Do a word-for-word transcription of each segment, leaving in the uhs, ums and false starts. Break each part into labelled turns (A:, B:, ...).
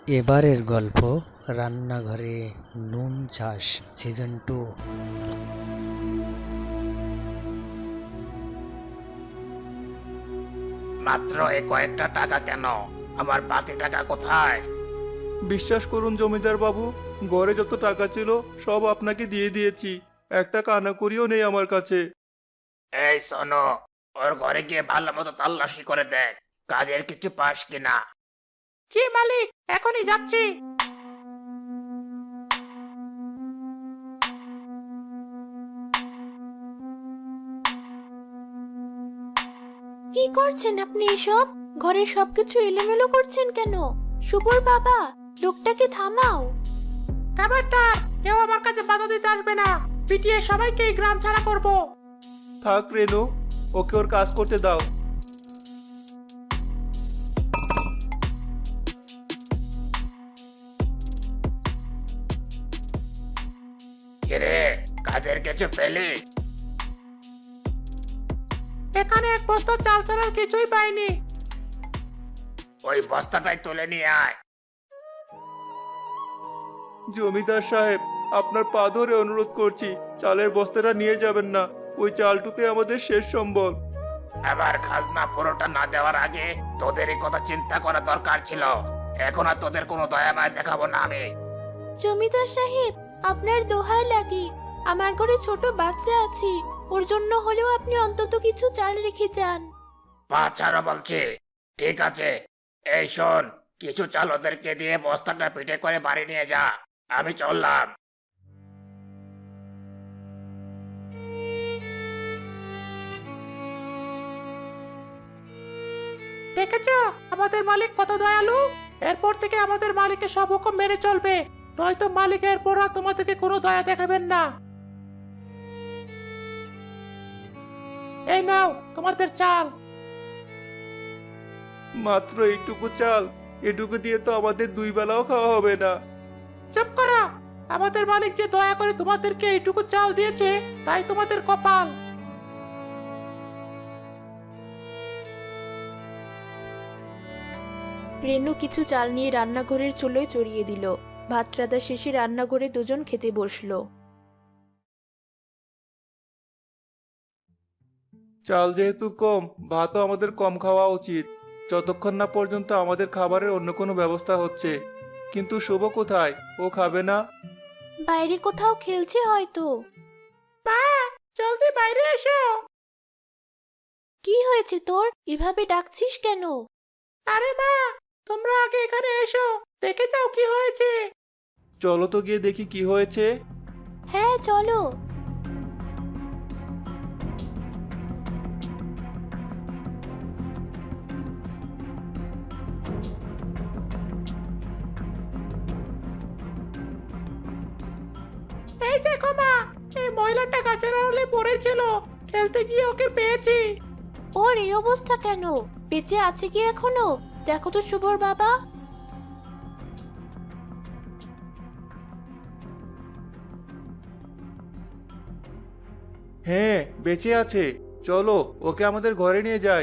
A: এবারের গল্প রান্নাঘরে নুন চাষ সিজন টু।
B: মাত্র এই কয়েকটা টাকা কেন? আমার বাকি টাকা কোথায়?
C: বিশ্বাস করুন জমিদার বাবু, ঘরে যত টাকা ছিল সব আপনাকে দিয়ে দিয়েছি। একটা কানাকড়িও নেই আমার কাছে।
B: এই শোনো, ওর ঘরে গিয়ে ভালো মতো তল্লাশি করে দেখ, কাজের কিছু পাস কিনা। জি মালিক, এখনই যাচ্ছি।
D: কি করছেন আপনি এসব? ঘরের সবকিছু এলোমেলো করছেন কেন? শুভর বাবা, লোকটাকে থামাও।
B: খবরদার, কেউ আমার কাছে বাধা দিতে আসবে না। পিটিয়ে সবাইকে এই গ্রাম ছাড়া করব।
C: থাক রেনু, ওকে ওর কাজ করতে দাও।
B: কিরে, কাজের কিছু পেলি? এখানে এক বস্তা চাল ছাড়ার কিছুই পাইনি। ওই বস্তাটাই তুলে নিয়ে আয়।
C: জমিদার সাহেব, আপনার পা ধরে অনুরোধ করছি, চালের বস্তাটা নিয়ে যাবেন না। ওই চালটুকুই আমাদের শেষ সম্বল।
B: আমার খাজনা পুরোটা না দেওয়ার আগে তোদেরই কথা চিন্তা করা দরকার ছিল। এখন আর তোদের কোনো দয়া মায়া দেখাবো না আমি।
D: জমিদার সাহেব, আপনার দোহাই লাগে, আমার ঘরে ছোট বাচ্চা আছে, ওর জন্য হলেও আপনি অন্তত কিছু চাল রেখে যান।
B: পা ছাড়ো বলছি। ঠিক আছে, এই শোন, কিছু চাল ওদেরকে দিয়ে বস্তাটা পিঠে করে বাড়ি নিয়ে যা। আমি চললাম। দেখেছো আমাদের মালিক কত দয়ালু? এরপর থেকে আমাদের মালিকের সব হুকুম মেনে চলবে, নয়তো মালিক এরপর আর তোমাদেরকে কোনো দয়া দেখাবেন না। এই নাও তোমাদের চাল।
C: মাত্র এইটুকু চাল, এটুকু দিয়ে তো আমাদের দুই বেলাও খাওয়া হবে না।
B: চুপ করো। আমাদের মালিক যে দয়া করে তোমাদেরকে এইটুকু চাল দিয়েছে, তাই তোমাদের কপাল।
D: রেনু কিছু চাল নিয়ে রান্নাঘরের চুলোয় চড়িয়ে দিল। ভাত রাঁধা শেষে রান্নাঘরে দুজন খেতে বসলো।
C: চাল যেহেতু কম, ভাতও আমাদের কম খাওয়া উচিত, যতক্ষণ না পর্যন্ত আমাদের খাবারের অন্য কোনো ব্যবস্থা হচ্ছে। কিন্তু শুভ কোথায়? ও খাবে না?
D: বাইরে কোথাও খেলছে হয়তো।
B: মা, জলদি বাইরে এসো।
D: কি হয়েছে তোর? এভাবে ডাকছিস কেন?
B: আরে মা, তোমরা আগে এখানে এসো, দেখে যাও কি হয়েছে।
C: চলো তো গিয়ে দেখি কি হয়েছে।
D: হ্যাঁ চলো।
B: এই দেখো মা, এই মহিলাটা গাছের আড়ালে পড়েছিল, খেলতে গিয়ে ওকে পেয়েছি।
D: ওর এই অবস্থা কেন? বেঁচে আছে কি এখনো? দেখো তো শুভর বাবা।
C: হ্যাঁ, বেঁচে আছে। চলো ওকে আমাদের ঘরে নিয়ে যাই।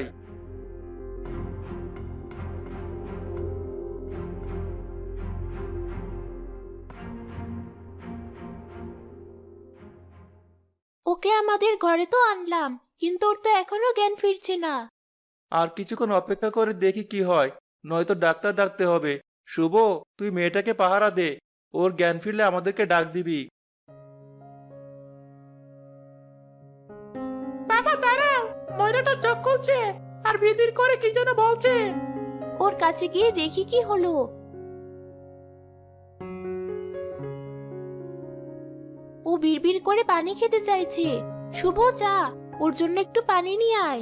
D: ওকে আমাদের ঘরে তো আনলাম, কিন্তু ওর তো এখনো জ্ঞান ফিরছে না।
C: আর কিছুক্ষণ অপেক্ষা করে দেখি কি হয়, নয়তো ডাক্তার ডাকতে হবে। শুভ, তুই মেয়েটাকে পাহারা দে, ওর জ্ঞান ফিরলে আমাদেরকে ডাক দিবি।
B: বাবা দাঁড়াও, মহিলাটা চোখ খুলছে আর বিড়বিড় করে কি যেন বলছে।
D: ওর কাছে গিয়ে দেখি কি হলো। ও বিড়বিড় করে পানি খেতে চাইছে। শুভ, যা, ওর জন্য একটু পানি নিয়ে আয়।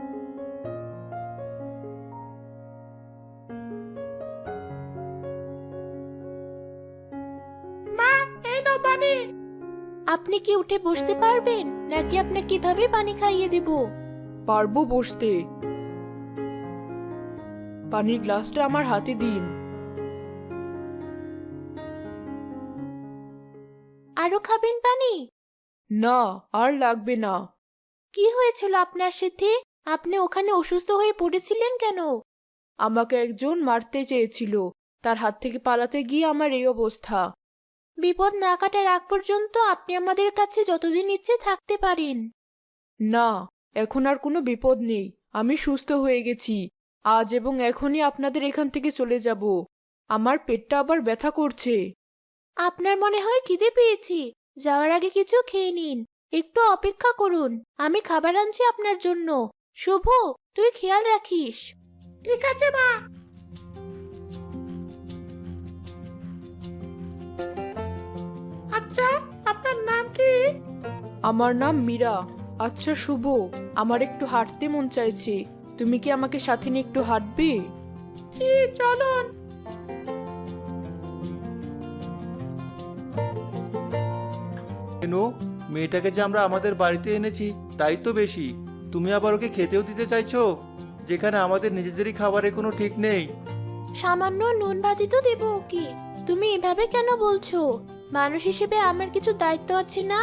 B: মা, এই নাও পানি।
D: আপনি কি উঠে বসতে পারবেন, নাকি আপনাকে কিভাবে পানি খাইয়ে দেব?
E: পারবো বসতে। পানির গ্লাসটা আমার হাতে দিন।
D: আরো খাবেন পানি?
E: না, আর লাগবে না।
D: কি হয়েছিল আপনার সাথে? আপনি ওখানে অসুস্থ হয়ে পড়েছিলেন কেন?
E: আমাকে একজন মারতে চেয়েছিল, তার হাত থেকে পালাতে গিয়ে আমার এই অবস্থা।
D: বিপদ না কাটার আগ পর্যন্ত আপনি আমাদের কাছে যতদিন ইচ্ছে থাকতে পারেন।
E: না, এখন আর কোনো বিপদ নেই। আমি সুস্থ হয়ে গেছি। আজ এবং এখনই আপনাদের এখান থেকে চলে যাব। আমার পেটটা আবার ব্যথা করছে।
D: আপনার মনে হয় খিদে পেয়েছি, যাওয়ার আগে কিছু খেয়ে নিন। একটু অপেক্ষা করুন, আমি খাবার আনছি আপনার জন্য। শুভ, তুই খেয়াল রাখিস।
B: ঠিক আছে মা। আচ্ছা, আপনার নাম কি?
E: আমার নাম মীরা। আচ্ছা শুভ, আমার একটু হাঁটতে মন চাইছে। তুমি কি আমাকে সাথে নিয়ে একটু হাঁটবে?
B: জি, চলুন।
C: কেন, মেয়েটাকে যে আমরা আমাদের বাড়িতে এনেছি তাই তো বেশি, তুমি আবার ওকে খেতেও দিতে চাইছো, যেখানে আমাদের নিজেদেরই খাবারের কোনো ঠিক নেই।
D: সামান্য নুন ভাতি তো দেবো ওকে। তুমি এভাবে কেন বলছো? মানুষ হিসেবে আমার কিছু দায়িত্ব আছে না?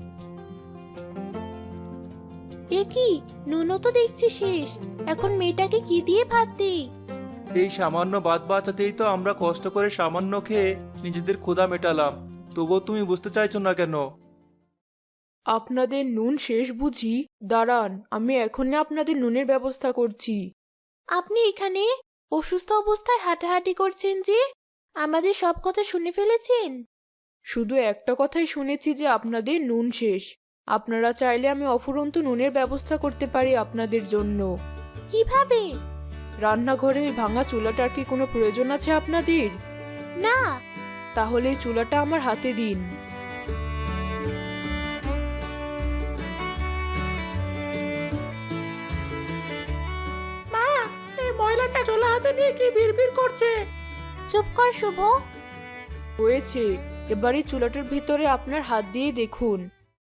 D: এ কি, নুনও তো দেখছি শেষ। এখন মেয়েটাকে কি দিয়ে ভাত দিই?
C: এই সামান্য ভাত বাঁচাতেই তো আমরা কষ্ট করে সামান্য খেয়ে নিজেদের ক্ষুধা মেটালাম, তবুও তুমি বুঝতে চাইছো না কেন?
E: আপনাদের নুন শেষ বুঝি? দাঁড়ান, আমি এখনই আপনাদের নুনের ব্যবস্থা করছি।
D: আপনি এখানে অসুস্থ অবস্থায় হাঁটাহাঁটি করছেন যে? আমাদের সব কথা শুনে ফেলেছেন?
E: শুধু একটা কথাই শুনেছি যে আপনাদের নুন শেষ। আপনারা চাইলে আমি অফুরন্ত নুনের ব্যবস্থা করতে পারি আপনাদের জন্য।
D: কিভাবে?
E: রান্নাঘরে ওই ভাঙা চুলাটার কি কোনো প্রয়োজন আছে আপনাদের?
D: না।
E: তাহলে এই চুলাটা আমার হাতে দিন।
B: মা, এই ময়লাটা চোলা হাতে নিয়ে কি বিড়বিড় করছে?
D: চুপ কর শুভ।
E: হয়েছে, এবারে চুলাটার ভিতরে আপনার হাত দিয়ে দেখুন।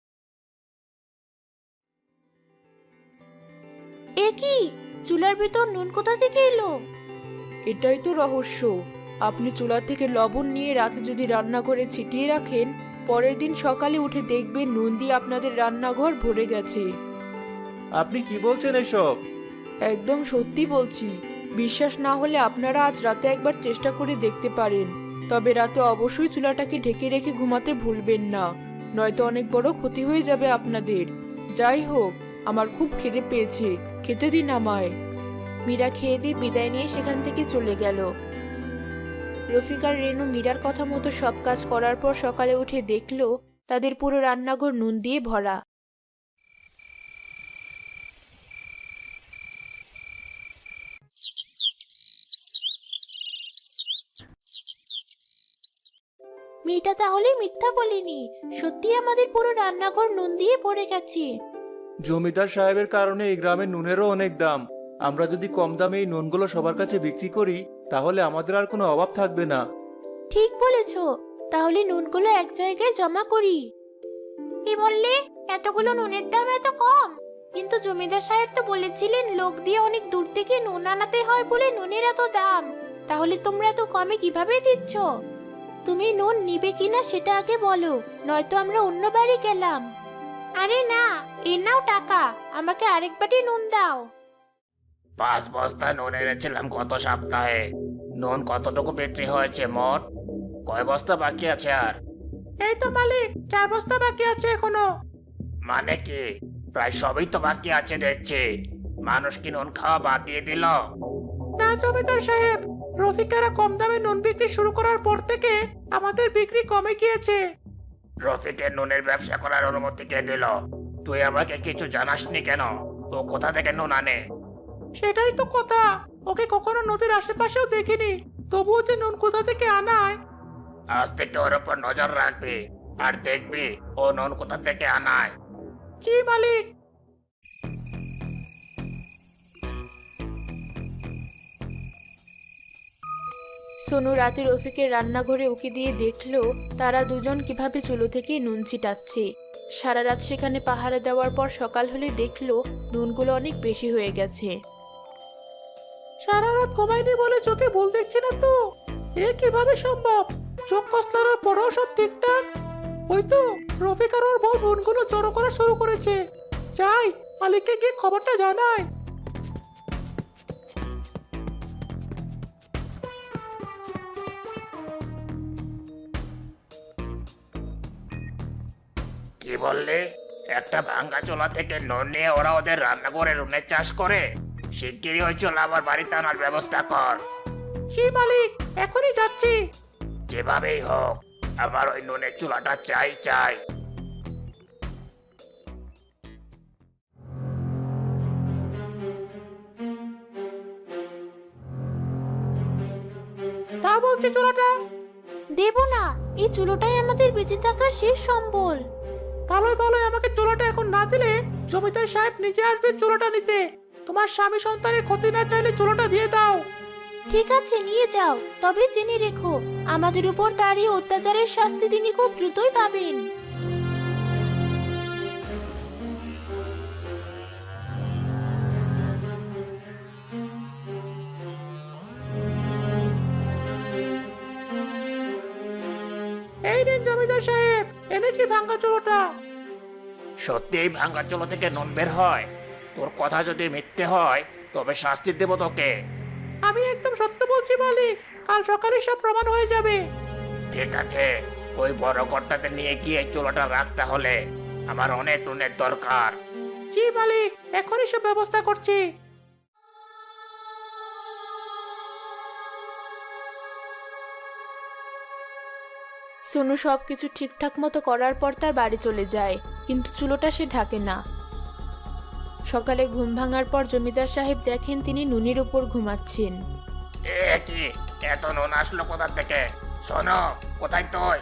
D: এ কি, চুলার ভিতর নুন কোথা থেকে এলো?
E: এটাই তো রহস্য। আপনি চুলা থেকে লবণ নিয়ে রাতে যদি রান্নাঘরে ছিটিয়ে রাখেন, পরের দিন সকালে উঠে দেখবেন নুন দিয়ে আপনাদের রান্নাঘর ভরে গেছে।
C: আপনি কি বলছেন এসব?
E: একদম সত্যি বলছি। বিশ্বাস না হলে আপনারা আজ রাতে একবার চেষ্টা করে দেখতে পারেন। তবে রাতে অবশ্যই চুলাটাকে ঢেকে রেখে ঘুমাতে ভুলবেন না, নয়তো অনেক বড় ক্ষতি হয়ে যাবে আপনাদের। যাই হোক, আমার খুব খিদে পেয়েছে, খেতে দিন আমায়।
D: মীরা খেয়ে দিয়ে বিদায় নিয়ে সেখান থেকে চলে গেল। রফিক আর রেনু মীরার কথা মতো সব কাজ করার পর সকালে উঠে দেখলো তাদের পুরো রান্নাঘর নুন দিয়ে ভরা। মেয়েটা তাহলে মিথ্যা বলেনি, সত্যি আমাদের পুরো রান্নাঘর নুন দিয়ে ভরে গেছে।
C: জমিদার সাহেবের কারণে এই গ্রামের নুনেরও অনেক দাম। আমরা যদি কম দামে এই নুনগুলো সবার কাছে বিক্রি করি, তাহলে আমাদের আর কোনো অভাব থাকবে না।
D: ঠিক বলেছ, তাহলে নুনগুলো এক জায়গায় জমা করি। কি বললে? এতগুলো নুনের দাম এত কম? কিন্তু জমিদার সাহেব তো বলেছিলেন লোক দিয়ে অনেক দূর থেকে নুন আনাতে হয় বলে নুনের এত দাম। তাহলে তোমরা এত কমে কিভাবে দিচ্ছ? তুমি নুন নিবে কিনা সেটা আগে বলো, নয়তো আমরা অন্য বাড়ি গেলাম। আরে না, এ নাও টাকা, আমাকে আরেক বাটি নুন দাও।
F: পাঁচ বস্তা নুন এনেছিলাম গত সপ্তাহে। নুন কতটুকু বিক্রি হয়েছে মোট? কয় বস্তা বাকি আছে আর?
B: এই তো মালিক, চার বস্তা বাকি আছে এখনো।
F: মানে কি, প্রায় সবই তো বাকি আছে দেখছি। মানুষ কি নুন খাওয়া বাদ দিয়ে দিল?
B: না জমিদার সাহেব, রফিকারা কম দামে নুন বিক্রি শুরু করার পর থেকে আমাদের বিক্রি কমে গিয়েছে।
F: রফিকের নুনের ব্যবসা করার অনুমতি কে দিল? তুই আমাকে কিছু জানাসনি কেন? ও কোথা থেকে নুন আনে?
B: সেটাই তো কথা, ওকে কখনো নদীর আশেপাশেও দেখিনি, তবুও যে নুন কোথা থেকে আনায়।
F: আজ থেকে ওর উপর নজর রাখবি, আর দেখবি ও নুন কোথা থেকে আনায়।
B: জি মালিক।
D: সোনু রাতে রফিকের রান্নাঘরে উকি দিয়ে দেখলো তারা দুজন কিভাবে চুলো থেকে নুন ছিটাচ্ছে। সারা রাত সেখানে পাহারা দেওয়ার পর সকাল হলে দেখলো নুনগুলো অনেক বেশি হয়ে গেছে।
B: সারা রাত ঘুমাইনি বলে চোখে ভুল দেখছি না তো? এ কিভাবে সম্ভব? চোখ কসলানোর পরেও সব ঠিকঠাক। ওই তো রফিক আর ওর বউ নুনগুলো জড়ো করা শুরু করেছে। যাই, মালিককে গিয়ে খবরটা জানাই।
F: কি বললে? একটা ভাঙ্গা চোলা থেকে নুন নিয়ে ওরা ওদের রান্না করে নুনের চাষ করে? শিগগিরই ওই চোলা আমার বাড়িতে আনার ব্যবস্থা কর।
B: জি মালিক, এখনই যাচ্ছি।
F: যেভাবেই হোক আমার ওই নুনের চুলাটা চাই চাই।
B: তা বলছে চোরাটা।
D: দেব না, এই চুলোটাই আমাদের বেঁচে থাকার শেষ সম্বল।
B: ভালোই ভালোই আমাকে চোরাটা এখন না দিলে জমিদার সাহেব নিজে আসবে চোরাটা নিতে। তোমার স্বামী সন্তানের ক্ষতি না চাইলে চোরাটা দিয়ে দাও।
D: ঠিক আছে, নিয়ে যাও, তবে জেনে রেখো আমাদের উপর তার এই অত্যাচারের শাস্তি তিনি খুব দ্রুতই পাবেন।
B: এই নিন জমিদার সাহেব, এনেছি ভাঙ্গা চোরাটা।
F: সত্যি এই ভাঙ্গা চোলা থেকে নুন বের হয়? তোর কথা যদি মিথ্যে হয় তবে শাস্তি দেব তোকে।
B: আমি একদম সত্য বলছি মালিক, কাল সকালে সব প্রমাণ হয়ে যাবে।
F: ঠিক আছে, ওই বড় কর্তাকে নিয়ে গিয়ে এই চোলাটা রাখতে হলে আমার অনেক নুনের দরকার।
B: জি মালিক, এখনই সব ব্যবস্থা করছি।
E: সোনু সবকিছু ঠিকঠাক মতো করার পর তার বাড়ি চলে যায়, কিন্তু চুলোটা সে ঢাকে না। সকালে ঘুম ভাঙার পর জমিদার সাহেব দেখেন তিনি নুনের উপর ঘুমাচ্ছেন।
F: এ কি, এত নুন আসলো কোথা থেকে? শোনো, কোথায় তুই?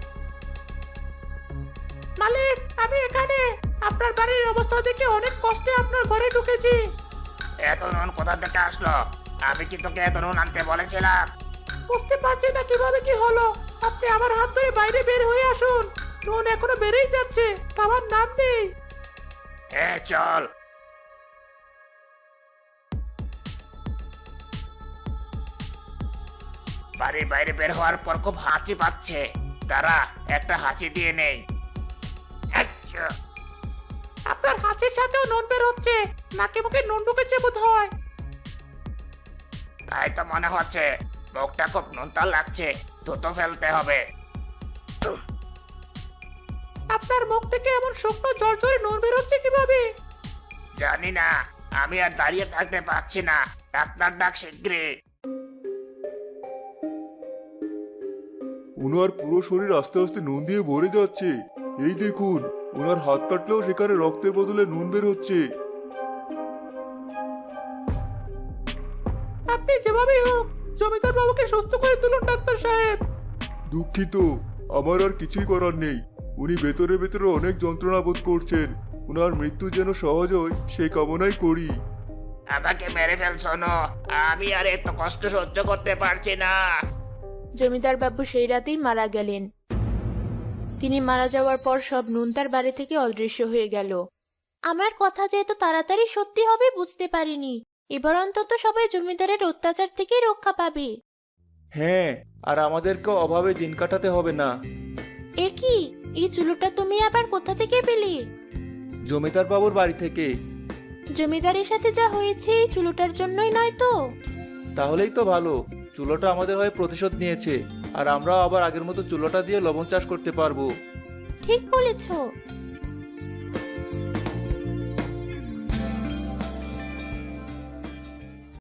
B: মালিক, আমি এখানে। আপনার বাড়ির অবস্থা দেখে অনেক কষ্টে আপনার ঘরে ঢুকেছি।
F: এত নুন কোথা থেকে আসলো? আমি কি তোকে এত নুন আনতে বলেছিলাম?
B: বুঝতে পারছি না কিভাবে কি হলো। আপনি আমার হাত ধরে বাইরে বের হয়ে আসুন। নুন এখনো বেড়েই যাচ্ছে, আমার নাম নেই।
F: হ্যাঁ চল। বাড়ির বাইরে বের হওয়ার পর খুব হাঁচি পাচ্ছে, তারা একটা হাঁচি দিয়ে নেই। আচ্ছা,
B: আপনার হাঁচির সাথেও নুন বের হচ্ছে, নাকে মুখে নুন ঢুকেছে বোধ হয়।
F: তাই তো মনে হচ্ছে। মুখটা খুব নুনতা লাগছে, থুতো ফেলতে হবে।
B: আপনার মুখ থেকে এমন শুকনো ঝরঝরে নুন বের হচ্ছে কিভাবে?
F: জানি না, আমি আর দাঁড়িয়ে থাকতে পারছি না। ডাক্তার ডাক শিগগিরই।
C: ওনার পুরো শরীর আস্তে আস্তে নুন দিয়ে ভরে যাচ্ছে। এই দেখুন, ওনার হাত কাটলেও সেখানে রক্তের বদলে নুন বের হচ্ছে।
B: আপনি যেভাবেই হোক জমিদার বাবুকে সুস্থ করে তুলুন ডাক্তার সাহেব।
C: দুঃখিত, আমার আর কিছুই করার নেই। উনি ভেতরে ভেতরে অনেক যন্ত্রণা বোধ করছেন। ওনার মৃত্যু যেন সহজ হয় সেই কামনাই করি।
F: আমাকে মেরে ফেলছো না, আমি আর এত কষ্ট সহ্য করতে পারছি না।
E: জমিদার বাবু সেই রাতেই মারা গেলেন। তিনি মারা যাওয়ার পর সব নুন তার বাড়ি থেকে অদৃশ্য হয়ে গেল।
D: আমার কথা যে এত তাড়াতাড়ি সত্যি হবে বুঝতে পারিনি। এবার অন্তত সবাই জমিদারের অত্যাচার থেকে রক্ষা পাবে।
C: হ্যাঁ, আর আমাদেরকে অভাবে দিন কাটাতে হবে না।
D: এ কি, এই চুলোটা তুমি আবার কোথা থেকে পেলে?
C: জমিদার বাবুর বাড়ি থেকে।
D: জমিদারের সাথে যা হয়েছে এই চুলোটার জন্যই নয় তো?
C: তাহলেই তো ভালো, চুলোটা আমাদের হয়ে প্রতিশোধ নিয়েছে, আর আমরা আবার আগের মতো চুলোটা দিয়ে লবণ চাষ করতে পারবো।
D: ঠিক বলেছো।